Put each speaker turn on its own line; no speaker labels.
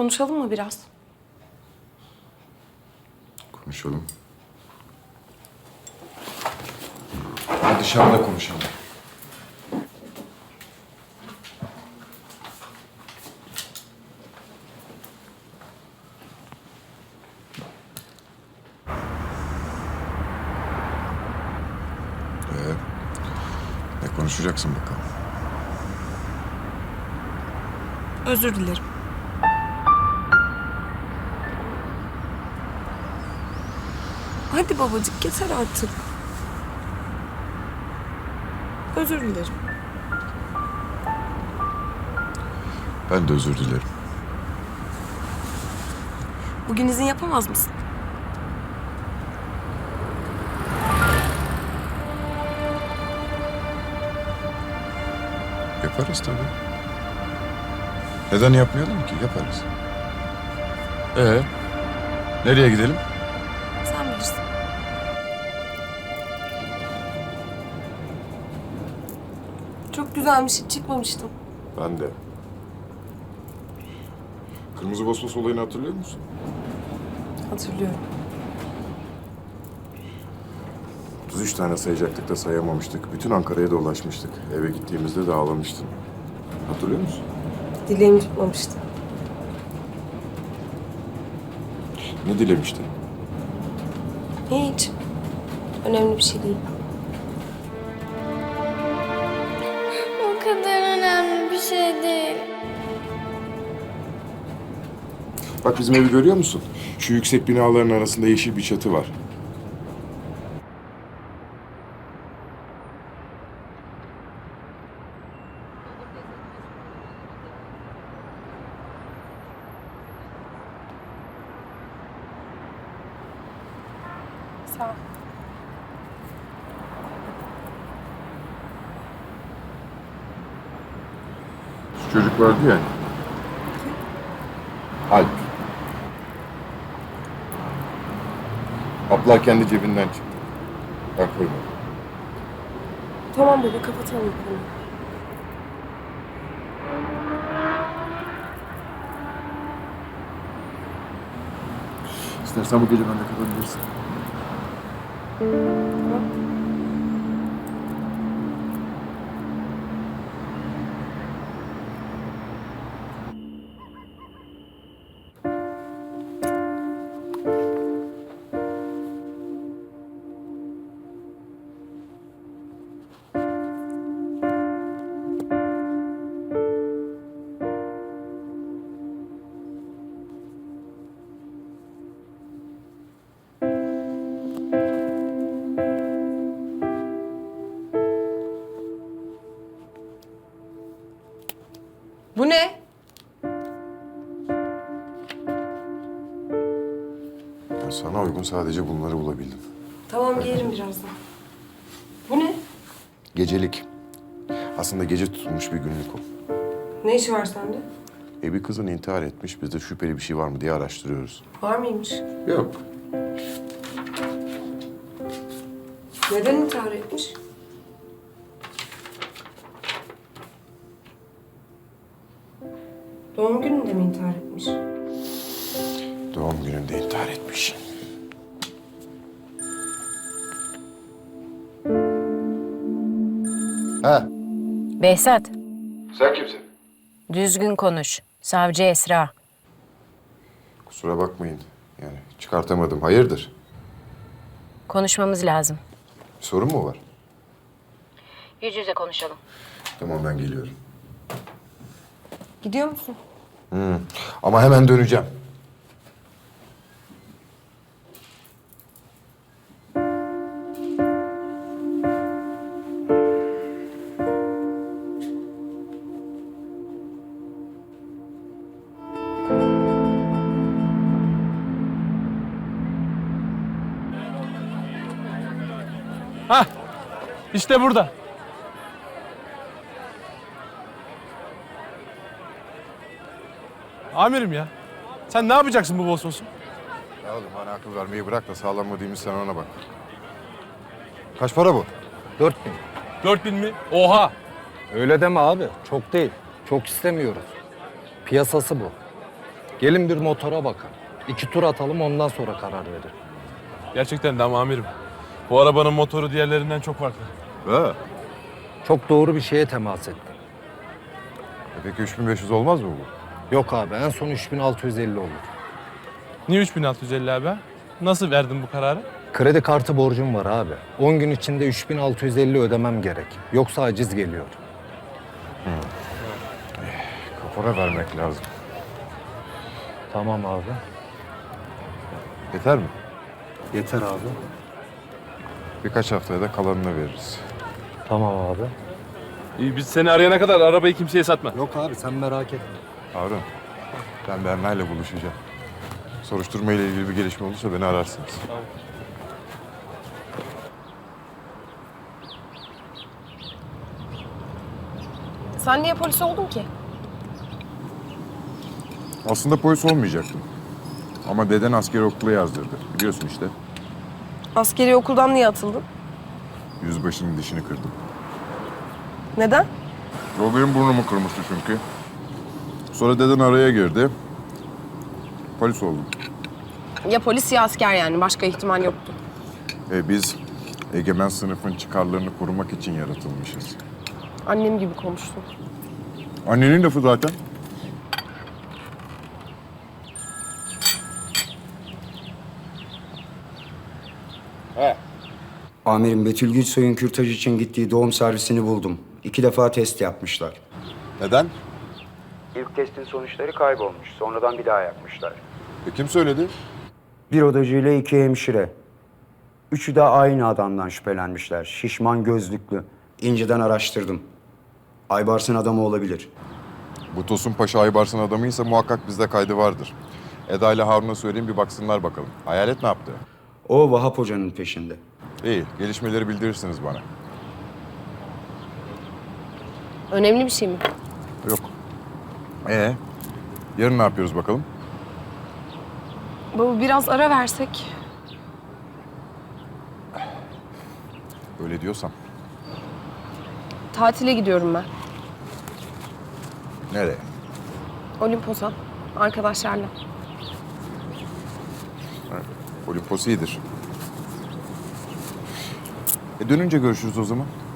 Konuşalım mı biraz?
Konuşalım. Ha, dışarıda konuşalım. Ne konuşacaksın bakalım?
Özür dilerim. Hadi babacık yeter artık. Özür dilerim.
Ben de özür dilerim.
Bugün izin yapamaz mısın?
Yaparız tabii. Neden yapmayalım ki? Yaparız. Nereye gidelim?
Sen bilirsin. Çok güzelmiş, hiç çıkmamıştım.
Ben de. Kırmızı Vosvos olayını hatırlıyor musun?
Hatırlıyorum.
33 tane sayacaktık da sayamamıştık. Bütün Ankara'ya dolaşmıştık. Eve gittiğimizde de ağlamıştın. Hatırlıyor musun?
Dileğimi tutmamıştı.
Ne dilemiştin?
Hiç. Önemli bir şey değil.
O kadar önemli bir şey değil.
Bak bizim evi görüyor musun? Şu yüksek binaların arasında yeşil bir çatı var.
Sağ ol.
Şu çocuk vardı ya. Alp. Abla kendi cebinden çıktı. Ben koymadım.
Tamam baba, kapatalım bu konuyu.
İstersen bu gece bende kalabilirsin.
Tamam. Bu ne?
Ya sana uygun sadece bunları bulabildim.
Tamam, giyerim birazdan. Bu ne?
Gecelik. Aslında gece tutulmuş bir günlük o.
Ne işi var sende?
Bir kızın intihar etmiş. Biz de şüpheli bir şey var mı diye araştırıyoruz.
Var mıymış?
Yok.
Neden intihar etmiş? Doğum gününde mi intihar etmiş?
Doğum gününde intihar etmiş. Ha,
Behzat,
sen kimsin?
düzgün konuş. Savcı Esra.
Kusura bakmayın. Yani çıkartamadım. Hayırdır?
Konuşmamız lazım.
Bir sorun mu var?
Yüz yüze konuşalım.
Tamam ben geliyorum.
Gidiyor musun?
Ama hemen döneceğim.
Hah, işte burada. Amirim ya, sen ne yapacaksın bu Vosvos'u?
Ya oğlum bana akıl vermeyi bırak da sağlam mı değil mi sen ona bak. Kaç para bu?
4000.
4000 mi? Oha!
Öyle deme abi. Çok değil. Çok istemiyoruz. Piyasası bu. Gelin bir motora bakın. 2 tur atalım ondan sonra karar verin.
Gerçekten de ama amirim. Bu arabanın motoru diğerlerinden çok farklı.
Ha.
Çok doğru bir şeye temas ettin.
Peki 3500 olmaz mı bu?
Yok abi en son 3650 olur.
Niye 3650 abi? Nasıl verdin bu kararı?
Kredi kartı borcum var abi. 10 gün içinde 3650 ödemem gerek. Yoksa aciz geliyor.
Kapora vermek lazım.
Tamam abi.
Yeter mi?
Yeter abi.
Birkaç haftaya da kalanını veririz.
Tamam abi.
İyi, biz seni arayana kadar arabayı kimseye satma.
Yok abi sen merak etme.
Harun, ben Berna'yla buluşacağım. Soruşturma ile ilgili bir gelişme olursa beni ararsınız.
Sen niye polis oldun ki?
Aslında polis olmayacaktım. Ama deden askeri okula yazdırdı. Biliyorsun işte.
Askeri okuldan niye atıldın?
Yüzbaşının dişini kırdım.
Neden?
O benim burnumu kırmıştı çünkü. Sonra deden araya girdi. Polis oldum.
Ya polis ya asker yani. Başka ihtimal yoktu.
Biz egemen sınıfın çıkarlarını korumak için yaratılmışız.
Annem gibi konuştun.
Annenin lafı zaten.
Amirim Betül Gülsoy'un kürtaj için gittiği doğum servisini buldum. 2 defa test yapmışlar.
Neden?
İlk testin sonuçları kaybolmuş. Sonradan bir daha yapmışlar.
Kim söyledi?
Bir odacı ile 2 hemşire. Üçü de aynı adamdan şüphelenmişler. Şişman gözlüklü. İnceden araştırdım. Aybars'ın adamı olabilir.
Bu Tosun Paşa Aybars'ın adamıysa muhakkak bizde kaydı vardır. Eda ile Harun'a söyleyeyim bir baksınlar bakalım. Hayalet ne yaptı?
O Vahap Hoca'nın peşinde.
İyi, gelişmeleri bildirirsiniz bana.
Önemli bir şey mi?
Yok. Yarın ne yapıyoruz bakalım?
Baba biraz ara versek.
Öyle diyorsan.
Tatile gidiyorum ben.
Nereye?
Olimpos'a. Arkadaşlarla.
Olimpos iyidir. Dönünce görüşürüz o zaman.